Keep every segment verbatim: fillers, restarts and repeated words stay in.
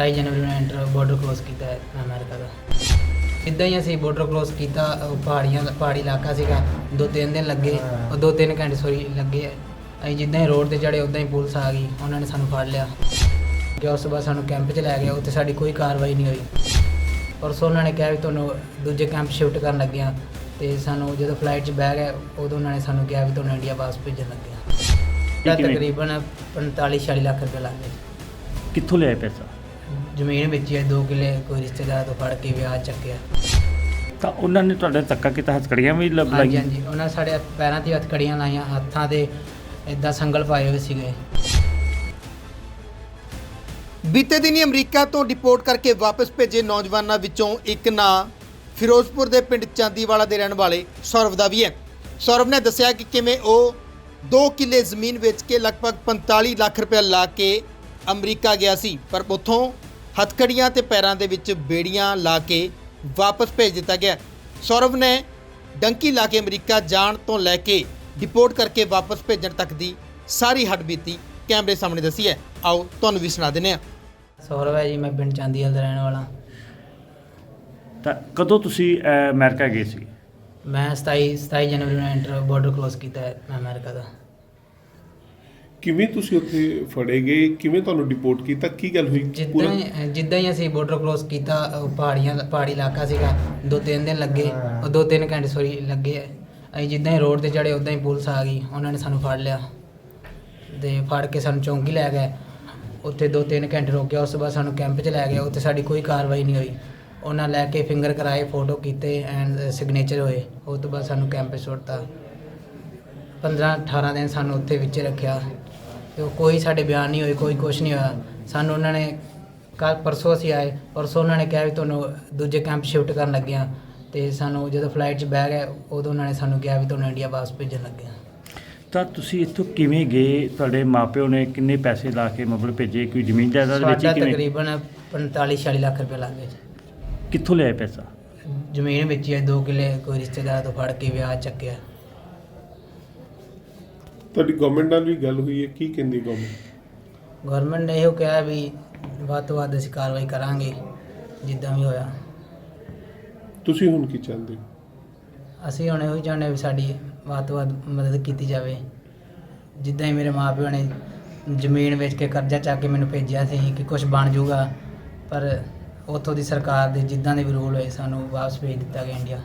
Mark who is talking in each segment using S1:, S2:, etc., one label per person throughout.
S1: ਸਤਾਈ ਜਨਵਰੀ ਨੂੰ enter border cross ਕੀਤਾ ਹੈ ਅਮਰੀਕਾ ਦਾ। ਇੱਦਾਂ ਹੀ ਅਸੀਂ ਬਾਰਡਰ ਕ੍ਰੋਸ ਕੀਤਾ, ਉਹ ਪਹਾੜੀਆਂ ਪਹਾੜੀ ਇਲਾਕਾ ਸੀਗਾ। ਦੋ ਤਿੰਨ ਦਿਨ ਲੱਗੇ, ਉਹ ਦੋ ਤਿੰਨ ਘੰਟੇ ਸੋਰੀ ਲੱਗੇ। ਅਸੀਂ ਜਿੱਦਾਂ ਹੀ ਰੋਡ 'ਤੇ ਚੜ੍ਹੇ ਉੱਦਾਂ ਹੀ ਪੁਲਿਸ ਆ ਗਈ, ਉਹਨਾਂ ਨੇ ਸਾਨੂੰ ਫੜ ਲਿਆ ਕਿ ਉਸ ਤੋਂ ਬਾਅਦ ਸਾਨੂੰ ਕੈਂਪ 'ਚ ਲੈ ਗਿਆ। ਉੱਥੇ ਸਾਡੀ ਕੋਈ ਕਾਰਵਾਈ ਨਹੀਂ ਹੋਈ। ਪਰਸੋਂ ਉਹਨਾਂ ਨੇ ਕਿਹਾ ਵੀ ਤੁਹਾਨੂੰ ਦੂਜੇ ਕੈਂਪ ਸ਼ਿਫਟ ਕਰਨ ਲੱਗੇ ਹਾਂ, ਅਤੇ ਸਾਨੂੰ ਜਦੋਂ ਫਲਾਈਟ 'ਚ ਬਹਿ ਗਏ ਉਦੋਂ ਉਹਨਾਂ ਨੇ ਸਾਨੂੰ ਕਿਹਾ ਵੀ ਤੁਹਾਨੂੰ ਇੰਡੀਆ ਵਾਪਸ ਭੇਜਣ ਲੱਗੇ ਹਾਂ। ਤਕਰੀਬਨ ਪੰਤਾਲੀ ਛਿਆਲੀ ਲੱਖ ਰੁਪਏ ਲੱਗ ਗਏ।
S2: ਕਿੱਥੋਂ ਲਿਆ ਪੈਸਾ?
S1: ਜ਼ਮੀਨ ਵੇਚੀ ਹੈ, ਦੋ ਕਿੱਲੇ ਕੋਈ ਰਿਸ਼ਤੇਦਾਰ ਤੋਂ ਫੜ ਕੇ ਵਿਆਹ ਚੱਕਿਆ।
S2: ਤਾਂ ਉਹਨਾਂ ਨੇ ਤੁਹਾਡੇ ਧੱਕਾ ਕੀਤਾ, ਹੱਥਕੜੀਆਂ ਵੀ ਲ-
S1: ਹਾਂਜੀ
S2: ਲਾਈਆਂ?
S1: ਹਾਂਜੀ, ਉਹਨਾਂ ਨੇ ਸਾਡੇ ਪੈਰਾਂ 'ਤੇ ਹੱਥਕੜੀਆਂ ਲਾਈਆਂ, ਹੱਥਾਂ 'ਤੇ ਇੱਦਾਂ ਸੰਗਲ ਪਾਏ ਹੋਏ ਸੀਗੇ।
S3: ਬੀਤੇ ਦਿਨੀ ਅਮਰੀਕਾ ਤੋਂ ਡਿਪੋਰਟ ਕਰਕੇ ਵਾਪਸ ਭੇਜੇ ਨੌਜਵਾਨਾਂ ਵਿੱਚੋਂ ਇੱਕ ਨਾਂ ਫਿਰੋਜ਼ਪੁਰ ਦੇ ਪਿੰਡ ਚਾਂਦੀਵਾਲਾ ਦੇ ਰਹਿਣ ਵਾਲੇ ਸੌਰਵ ਦਾ ਵੀ ਹੈ। ਸੌਰਵ ਨੇ ਦੱਸਿਆ ਕਿ ਕਿਵੇਂ ਉਹ ਦੋ ਕਿੱਲੇ ਜ਼ਮੀਨ ਵੇਚ ਕੇ ਲਗਭਗ ਪੰਤਾਲੀ ਲੱਖ ਰੁਪਏ ਲਾ ਕੇ ਅਮਰੀਕਾ ਗਿਆ ਸੀ, ਪਰ ਉੱਥੋਂ ਹੱਥਕੜੀਆਂ ਤੇ ਪੈਰਾਂ ਦੇ ਵਿੱਚ ਬੇੜੀਆਂ ਲਾ ਕੇ ਵਾਪਸ ਭੇਜ ਦਿੱਤਾ ਗਿਆ। ਸੌਰਵ ਨੇ ਡੰਕੀ ਲਾ ਕੇ ਅਮਰੀਕਾ ਜਾਣ ਤੋਂ ਲੈ ਕੇ ਡਿਪੋਰਟ ਕਰਕੇ ਵਾਪਸ ਭੇਜਣ ਤੱਕ ਦੀ ਸਾਰੀ ਹੱਡਬੀਤੀ ਕੈਮਰੇ ਸਾਹਮਣੇ ਦੱਸੀ ਹੈ। ਆਓ ਤੁਹਾਨੂੰ ਵੀ ਸੁਣਾ ਦਿੰਦੇ ਹਾਂ।
S1: ਸੌਰਵ ਹੈ ਜੀ, ਮੈਂ ਪਿੰਡ ਚਾਂਦੀਵਾਲ ਦਾ ਰਹਿਣ ਵਾਲਾ।
S2: ਤਾਂ ਕਦੋਂ ਤੁਸੀਂ ਅਹ, ਅਮਰੀਕਾ ਗਏ ਸੀ?
S1: ਮੈਂ ਸਤਾਈ ਸਤਾਈ ਜਨਵਰੀ ਨੂੰ ਐਂਟਰ ਬਾਰਡਰ ਕ੍ਰੋਸ ਕੀਤਾ ਹੈ ਅਮਰੀਕਾ ਦਾ।
S4: ਕਿਵੇਂ ਤੁਸੀਂ ਉੱਥੇ ਫੜੇ ਗਏ, ਕਿਵੇਂ ਤੁਹਾਨੂੰ ਡਿਪੋਰਟ ਕੀਤਾ, ਕੀ ਗੱਲ ਹੋਈ?
S1: ਜਿੱਦਾਂ ਹੀ ਜਿੱਦਾਂ ਹੀ ਅਸੀਂ ਬਾਰਡਰ ਕ੍ਰੋਸ ਕੀਤਾ, ਉਹ ਪਹਾੜੀਆਂ ਪਹਾੜੀ ਇਲਾਕਾ ਸੀਗਾ। ਦੋ ਤਿੰਨ ਦਿਨ ਲੱਗੇ, ਉਹ ਦੋ ਤਿੰਨ ਘੰਟੇ ਸੋਰੀ ਲੱਗੇ। ਅਸੀਂ ਜਿੱਦਾਂ ਹੀ ਰੋਡ 'ਤੇ ਚੜ੍ਹੇ ਉੱਦਾਂ ਹੀ ਪੁਲਿਸ ਆ ਗਈ, ਉਹਨਾਂ ਨੇ ਸਾਨੂੰ ਫੜ ਲਿਆ ਅਤੇ ਫੜ ਕੇ ਸਾਨੂੰ ਚੌਂਕੀ ਲੈ ਗਏ। ਉੱਥੇ ਦੋ ਤਿੰਨ ਘੰਟੇ ਰੋਕਿਆ, ਉਸ ਤੋਂ ਬਾਅਦ ਸਾਨੂੰ ਕੈਂਪ 'ਚ ਲੈ ਗਏ। ਉੱਥੇ ਸਾਡੀ ਕੋਈ ਕਾਰਵਾਈ ਨਹੀਂ ਹੋਈ। ਉਹਨਾਂ ਲੈ ਕੇ ਫਿੰਗਰ ਕਰਾਏ, ਫੋਟੋ ਕੀਤੇ ਐਂਡ ਸਿਗਨੇਚਰ ਹੋਏ। ਉਸ ਤੋਂ ਬਾਅਦ ਸਾਨੂੰ ਕੈਂਪ 'ਚ ਸੁੱਟਤਾ। ਪੰਦਰਾਂ ਅਠਾਰਾਂ ਦਿਨ ਸਾਨੂੰ ਉੱਥੇ ਵਿੱਚ ਰੱਖਿਆ ਅਤੇ ਕੋਈ ਸਾਡੇ ਬਿਆਨ ਨਹੀਂ ਹੋਏ, ਕੋਈ ਕੁਛ ਨਹੀਂ ਹੋਇਆ। ਸਾਨੂੰ ਉਹਨਾਂ ਨੇ ਕੱਲ੍ਹ ਪਰਸੋਂ ਅਸੀਂ ਆਏ, ਪਰਸੋਂ ਉਹਨਾਂ ਨੇ ਕਿਹਾ ਵੀ ਤੁਹਾਨੂੰ ਦੂਜੇ ਕੈਂਪ ਸ਼ਿਫਟ ਕਰਨ ਲੱਗੇ ਹਾਂ, ਅਤੇ ਸਾਨੂੰ ਜਦੋਂ ਫਲਾਈਟ 'ਚ ਬਹਿ ਗਏ ਉਦੋਂ ਉਹਨਾਂ ਨੇ ਸਾਨੂੰ ਕਿਹਾ ਵੀ ਤੁਹਾਨੂੰ ਇੰਡੀਆ ਵਾਪਸ ਭੇਜਣ ਲੱਗੇ ਹਾਂ।
S2: ਤਾਂ ਤੁਸੀਂ ਇੱਥੋਂ ਕਿਵੇਂ ਗਏ? ਤੁਹਾਡੇ ਮਾਪਿਓ ਨੇ ਕਿੰਨੇ ਪੈਸੇ ਲਾ ਕੇ ਮਤਲਬ ਭੇਜੇ? ਕੋਈ ਜ਼ਮੀਨ ਜਾਇਦਾਦ ਵੇਚੀ?
S1: ਸਾਡਾ
S2: ਕਿਵੇਂ?
S1: ਤਕਰੀਬਨ ਪੰਤਾਲੀ ਛਿਆਲੀ ਲੱਖ ਰੁਪਏ ਲੱਗ ਗਏ।
S2: ਕਿੱਥੋਂ ਲਿਆ ਪੈਸਾ?
S1: ਜ਼ਮੀਨ ਵੇਚੀ ਹੈ, ਦੋ ਕਿੱਲੇ ਕੋਈ ਰਿਸ਼ਤੇਦਾਰ ਤੋਂ ਫੜ ਕੇ ਵਿਆਹ ਚੱਕਿਆ।
S4: ਤੁਹਾਡੀ ਗਵਰਨਮੈਂਟ ਨਾਲ ਵੀ ਗੱਲ ਹੋਈ ਹੈ, ਕੀ ਕਹਿੰਦੀ ਗਵਰਨਮੈਂਟ?
S1: ਗਵਰਨਮੈਂਟ ਨੇ ਇਹੋ ਕਿਹਾ ਵੀ ਵੱਧ ਤੋਂ ਵੱਧ ਅਸੀਂ ਕਾਰਵਾਈ ਕਰਾਂਗੇ ਜਿੱਦਾਂ ਵੀ ਹੋਇਆ।
S4: ਤੁਸੀਂ ਹੁਣ ਕੀ ਚਾਹੁੰਦੇ ਹੋ?
S1: ਅਸੀਂ ਹੁਣ ਇਹੋ ਹੀ ਚਾਹੁੰਦੇ ਵੀ ਸਾਡੀ ਵੱਧ ਤੋਂ ਵੱਧ ਮਦਦ ਕੀਤੀ ਜਾਵੇ। ਜਿੱਦਾਂ ਹੀ ਮੇਰੇ ਮਾਂ ਪਿਓ ਨੇ ਜ਼ਮੀਨ ਵੇਚ ਕੇ ਕਰਜ਼ਾ ਚੱਕ ਕੇ ਮੈਨੂੰ ਭੇਜਿਆ ਸੀ ਕਿ ਕੁਝ ਬਣ ਜਾਊਗਾ, ਪਰ ਉੱਥੋਂ ਦੀ ਸਰਕਾਰ ਦੇ ਜਿੱਦਾਂ ਦੇ ਵੀ ਰੂਲ ਹੋਏ ਸਾਨੂੰ ਵਾਪਸ ਭੇਜ ਦਿੱਤਾ ਗਿਆ ਇੰਡੀਆ।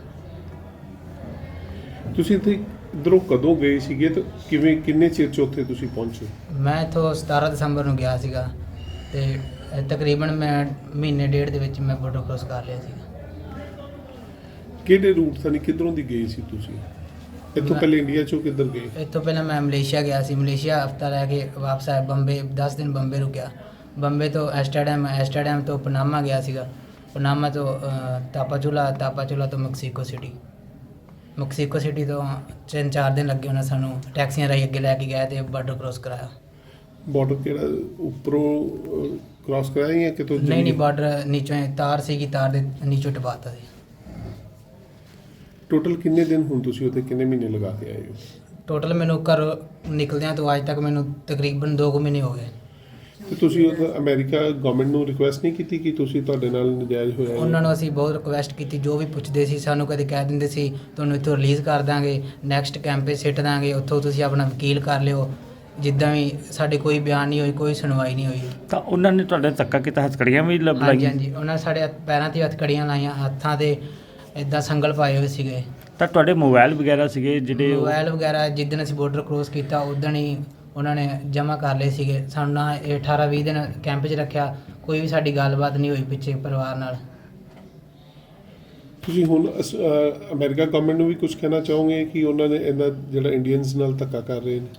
S4: ਤੁਸੀਂ ਇੱਥੇ ਇੱਧਰੋਂ ਕਦੋਂ ਗਏ ਸੀਗੇ ਤੇ ਕਿਵੇਂ, ਕਿੰਨੇ ਚਿਰ 'ਚ ਉੱਥੇ ਤੁਸੀਂ ਪਹੁੰਚੇ?
S1: ਮੈਂ ਇੱਥੋਂ ਸਤਾਰਾਂ ਦਸੰਬਰ ਨੂੰ ਗਿਆ ਸੀਗਾ, ਅਤੇ ਤਕਰੀਬਨ ਮੈਂ ਮਹੀਨੇ ਡੇਢ ਦੇ ਵਿੱਚ ਮੈਂ ਬਾਰਡਰ ਕ੍ਰੋਸ ਕਰ ਲਿਆ ਸੀਗਾ।
S4: ਕਿਹੜੇ ਰੂਟ ਤੋਂ, ਕਿੱਧਰੋਂ ਦੀ ਗਏ ਸੀ ਤੁਸੀਂ? ਇੱਥੋਂ
S1: ਮੈਂ-
S4: ਪਹਿਲੇ ਇੰਡੀਆ 'ਚੋਂ ਕਿੱਧਰ ਗਏ?
S1: ਇੱਥੋਂ ਪਹਿਲਾਂ ਮੈਂ ਮਲੇਸ਼ੀਆ ਗਿਆ ਸੀ। ਮਲੇਸ਼ੀਆ ਹਫਤਾ ਰਹਿ ਕੇ ਵਾਪਸ ਆਇਆ। ਬੰਬੇ ਦਸ ਦਿਨ ਬੰਬੇ ਰੁਕਿਆ। ਬੰਬੇ ਤੋਂ ਐਸਟਰਡਮ, ਐਸਟਰਡਮ ਤੋਂ ਪਨਾਮਾ ਗਿਆ ਸੀਗਾ। ਪਨਾਮਾ ਤੋਂ ਅ, ਤਾਪਾਚੁਲਾ, ਤਾਪਾਚੁਲਾ ਤੋਂ ਮੈਕਸੀਕੋ ਸਿਟੀ। ਮੈਕਸੀਕੋ ਸਿਟੀ ਤੋਂ ਤਿੰਨ ਚਾਰ ਦਿਨ ਲੱਗੇ। ਉਹਨਾਂ ਸਾਨੂੰ ਟੈਕਸੀਆਂ ਰਾਹੀਂ ਅੱਗੇ ਲੈ ਕੇ ਗਏ ਅਤੇ ਬਾਰਡਰ ਕ੍ਰੋਸ ਕਰਾਇਆ।
S4: ਬਾਰਡਰ ਕਿਹੜਾ ਉੱਪਰੋਂ ਕ੍ਰਾਸ ਕਰਾਇਆ ਜਾਂ ਕਿਤੋਂ?
S1: ਨਹੀਂ ਨਹੀਂ, ਬਾਰਡਰ ਨੀਚੋਂ ਤਾਰ ਸੀਗੀ, ਤਾਰ ਦੇ ਨੀਚੋਂ ਟਪਾਤਾ ਸੀ।
S4: ਟੋਟਲ ਕਿੰਨੇ ਦਿਨ ਹੁਣ ਤੁਸੀਂ ਉੱਥੇ, ਕਿੰਨੇ ਮਹੀਨੇ ਲਗਾ ਕੇ ਆਏ ਹੋ?
S1: ਟੋਟਲ ਮੈਨੂੰ ਘਰ ਨਿਕਲਦਿਆਂ ਤੋਂ ਅੱਜ ਤੱਕ ਮੈਨੂੰ ਤਕਰੀਬਨ ਦੋ ਕੁ ਮਹੀਨੇ ਹੋ ਗਏ।
S4: ਤੇ ਤੁਸੀਂ ਉੱਥੇ ਅਮਰੀਕਾ ਗਵਰਨਮੈਂਟ ਨੂੰ ਰਿਕੁਐਸਟ ਨਹੀਂ ਕੀਤੀ ਕਿ ਤੁਸੀਂ, ਤੁਹਾਡੇ ਨਾਲ ਨਜਾਇਜ਼ ਹੋਇਆ ਹੈ?
S1: ਉਹਨਾਂ ਨੂੰ ਅਸੀਂ ਬਹੁਤ ਰਿਕੁਐਸਟ ਕੀਤੀ, ਜੋ ਵੀ ਪੁੱਛਦੇ ਸੀ ਸਾਨੂੰ ਕਦੇ ਕਹਿ ਦਿੰਦੇ ਸੀ ਤੁਹਾਨੂੰ ਇੱਥੋਂ ਰਿਲੀਜ਼ ਕਰ ਦਾਂਗੇ, ਨੈਕਸਟ ਕੈਂਪ 'ਚ ਸਿੱਟ ਦਾਂਗੇ, ਉੱਥੋਂ ਤੁਸੀਂ ਆਪਣਾ ਵਕੀਲ ਕਰ ਲਿਓ। ਜਿੱਦਾਂ ਵੀ ਸਾਡੇ ਕੋਈ ਬਿਆਨ ਨਹੀਂ ਹੋਈ, ਕੋਈ ਸੁਣਵਾਈ ਨਹੀਂ ਹੋਈ।
S2: ਤਾਂ ਉਹਨਾਂ ਨੇ ਤੁਹਾਡੇ ਧੱਕਾ ਕੀਤਾ, ਹੱਥਕੜੀਆਂ ਵੀ ਲ-
S1: ਹਾਂਜੀ
S2: ਲਾਈਆਂ?
S1: ਹਾਂਜੀ, ਉਹਨਾਂ ਨੇ ਸਾਡੇ ਪੈਰਾਂ 'ਤੇ ਹੱਥਕੜੀਆਂ ਲਾਈਆਂ, ਹੱਥਾਂ 'ਤੇ ਇੱਦਾਂ ਸੰਗਲ ਪਾਏ ਹੋਏ ਸੀਗੇ।
S2: ਤਾਂ ਤੁਹਾਡੇ ਮੋਬਾਈਲ ਵਗੈਰਾ ਸੀਗੇ ਜਿਹੜੇ ਉਹ-
S1: ਮੋਬਾਈਲ ਵਗੈਰਾ ਜਿੱਦਣ ਅਸੀਂ ਬਾਰਡਰ ਕ੍ਰੋਸ ਕੀਤਾ ਉਦਣ ਹੀ ਉਹਨਾਂ ਨੇ ਜਮ੍ਹਾਂ ਕਰ ਲਏ ਸੀਗੇ। ਸਾਨੂੰ ਨਾ ਇਹ ਅਠਾਰਾਂ ਵੀਹ ਦਿਨ ਕੈਂਪ 'ਚ ਰੱਖਿਆ, ਕੋਈ ਵੀ ਸਾਡੀ ਗੱਲਬਾਤ ਨਹੀਂ ਹੋਈ ਪਿੱਛੇ ਪਰਿਵਾਰ ਨਾਲ।
S4: ਤੁਸੀਂ ਹੁਣ ਅਸ- ਅ, ਅਮਰੀਕਾ ਗਵਰਨਮੈਂਟ ਨੂੰ ਵੀ ਕੁਝ ਕਹਿਣਾ ਚਾਹੋਗੇ ਕਿ ਉਹਨਾਂ ਨੇ ਇਹਨਾਂ ਜਿਹੜਾ ਇੰਡੀਅਨਸ ਨਾਲ ਧੱਕਾ ਕਰ ਰਹੇ ਨੇ?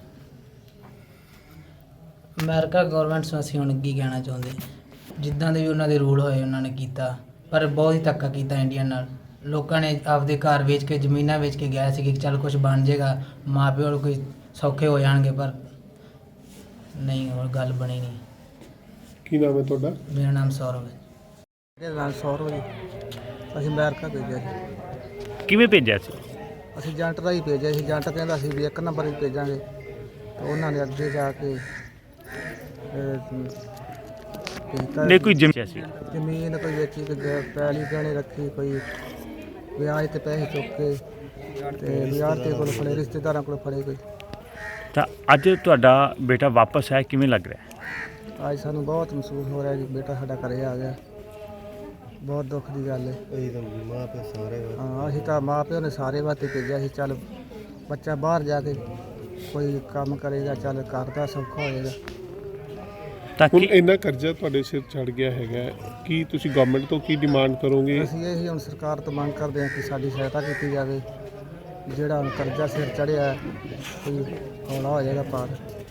S1: ਅਮਰੀਕਾ ਗਵਰਨਮੈਂਟ ਨੂੰ ਅਸੀਂ ਹੁਣ ਕੀ ਕਹਿਣਾ ਚਾਹੁੰਦੇ, ਜਿੱਦਾਂ ਦੇ ਵੀ ਉਹਨਾਂ ਦੇ ਰੂਲ ਹੋਏ ਉਹਨਾਂ ਨੇ ਕੀਤਾ, ਪਰ ਬਹੁਤ ਹੀ ਧੱਕਾ ਕੀਤਾ ਇੰਡੀਅਨ ਨਾਲ। ਲੋਕਾਂ ਨੇ ਆਪਦੇ ਘਰ ਵੇਚ ਕੇ, ਜ਼ਮੀਨਾਂ ਵੇਚ ਕੇ ਗਏ ਸੀ ਕਿ ਚੱਲ ਕੁਝ ਬਣ ਜਾਏਗਾ, ਮਾਂ ਪਿਓ ਨੂੰ ਕੋਈ ਸੌਖੇ ਹੋ ਜਾਣਗੇ, ਪਰ ਨਹੀਂ, ਹੋਰ ਗੱਲ ਬਣੀ ਨਹੀਂ।
S4: ਕੀ ਨਾਮ ਹੈ ਤੁਹਾਡਾ?
S1: ਮੇਰਾ ਨਾਮ ਸੌਰਵ ਹੈ।
S5: ਮੇਰਾ ਨਾਮ ਸੌਰਵ ਜੀ। ਅਸੀਂ ਅਮਰੀਕਾ ਭੇਜਿਆ ਸੀ।
S2: ਕਿਵੇਂ ਭੇਜਿਆ ਸੀ?
S5: ਅਸੀਂ ਏਜੰਟ ਰਾਹੀਂ ਭੇਜਿਆ ਸੀ। ਏਜੰਟ ਕਹਿੰਦਾ ਸੀ ਵੀ ਇੱਕ ਨੰਬਰ ਹੀ ਭੇਜਾਂਗੇ, ਤਾਂ ਉਹਨਾਂ ਨੇ ਅੱਗੇ ਜਾ ਕੇ ਭੇਜਤਾ।
S2: ਨੇ ਕੋਈ ਜ਼ਿੰਮੇਵਾਰੀ ਸੀ?
S5: ਜ਼ਮੀਨ ਕੋਈ ਵੇਚੀ, ਕੋਈ ਗ- ਪੈਲੀ ਗਹਿਣੇ ਰੱਖੀ, ਕੋਈ ਵਿਆਜ ਤੇ ਪੈਸੇ ਚੁੱਕ ਕੇ ਤੇ ਵਿਆਜ ਤੇ ਕੋਲ ਫੜੇ, ਰਿਸ਼ਤੇਦਾਰਾਂ ਕੋਲ ਫੜੇ ਕੋਈ।
S2: ਤਾਂ ਅੱਜ ਤੁਹਾਡਾ ਬੇਟਾ ਵਾਪਸ ਆਇਆ, ਕਿਵੇਂ ਲੱਗ ਰਿਹਾ?
S5: ਅੱਜ ਸਾਨੂੰ ਬਹੁਤ ਮਹਿਸੂਸ ਹੋ ਰਿਹਾ ਕਿ ਬੇਟਾ ਸਾਡਾ ਘਰੇ ਆ ਗਿਆ। ਬਹੁਤ ਦੁੱਖ ਦੀ ਗੱਲ ਹੈ। ਅਸੀਂ ਤਾਂ ਮਾਂ ਪਿਓ ਸਾਰੇ ਹਾਂ ਅਸੀਂ ਤਾਂ ਮਾਂ ਪਿਓ ਨੇ ਸਾਰੇ ਵਾਸਤੇ ਭੇਜਿਆ ਸੀ। ਚੱਲ ਬੱਚਾ ਬਾਹਰ ਜਾ ਕੇ ਕੋਈ ਕੰਮ ਕਰੇਗਾ, ਚੱਲ ਘਰ ਦਾ ਸੌਖਾ ਹੋਏਗਾ।
S2: ਤਾਂ
S4: ਹੁਣ
S2: ਕੀ
S4: ਇੰਨਾ ਕਰਜ਼ਾ ਤੁਹਾਡੇ ਸਿਰ ਚੜ ਗਿਆ ਹੈਗਾ, ਕੀ ਤੁਸੀਂ ਗਵਰਨਮੈਂਟ ਤੋਂ ਕੀ ਡਿਮਾਂਡ ਕਰੋਗੇ?
S5: ਅਸੀਂ ਇਹ ਹੁਣ ਸਰਕਾਰ ਤੋਂ ਮੰਗ ਕਰਦੇ ਹਾਂ ਕਿ ਸਾਡੀ ਸਹਾਇਤਾ ਕੀਤੀ ਜਾਵੇ। ਜਿਹੜਾ ਹੁਣ ਕਰਜ਼ਾ ਸਿਰ ਚੜਿਆ ਕੋਈ ਹੌਲਾ ਹੋ ਜਾਏਗਾ ਪਾਰ।